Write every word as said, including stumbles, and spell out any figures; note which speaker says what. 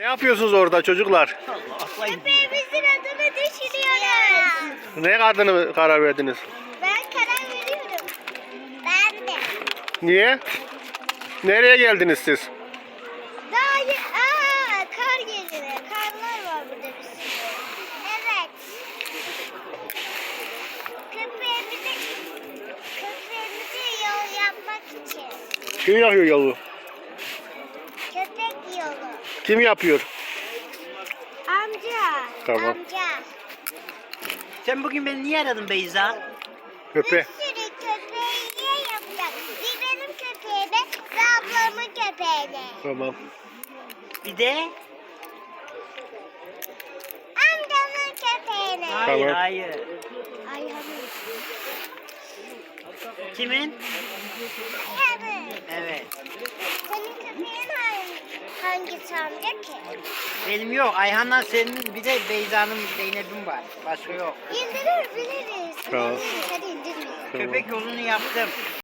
Speaker 1: Ne yapıyorsunuz orada çocuklar?
Speaker 2: Köpeğimizin adını düşünüyoruz.
Speaker 1: Ne adını karar verdiniz?
Speaker 2: Ben karar veriyorum. Ben de.
Speaker 1: Niye? Nereye geldiniz siz?
Speaker 2: Daha ye- Aa, kar geliyor. Karlar var burada bir sürü. Evet. Köpeğimizi, köpeğimizi yol yapmak için.
Speaker 1: Kim yapıyor yolu?
Speaker 2: Köpek yolu.
Speaker 1: Kim yapıyor?
Speaker 2: Amca.
Speaker 1: Tamam.
Speaker 2: Amca.
Speaker 3: Sen bugün beni niye aradın Beyza?
Speaker 1: Köpe.
Speaker 2: Bir sürü köpeği yapacak. Bir benim köpeğime ve ablamın köpeğine.
Speaker 1: Tamam.
Speaker 3: Bir de?
Speaker 2: Amcamın köpeğine.
Speaker 3: Hayır
Speaker 1: Tamam.
Speaker 3: hayır.
Speaker 2: Ayhan'ın.
Speaker 3: Kimin?
Speaker 2: Evet.
Speaker 3: Evet.
Speaker 2: Senin köpeğin hangi, hangisi amca ki?
Speaker 3: Benim yok. Ayhan'la senin bir de Beyza'nın Zeynep'in var. Başka yok.
Speaker 2: İndirir biliriz.
Speaker 1: Tamam.
Speaker 2: Biliriz, hadi indirmeyin.
Speaker 1: Tamam.
Speaker 3: Köpek yolunu yaptım.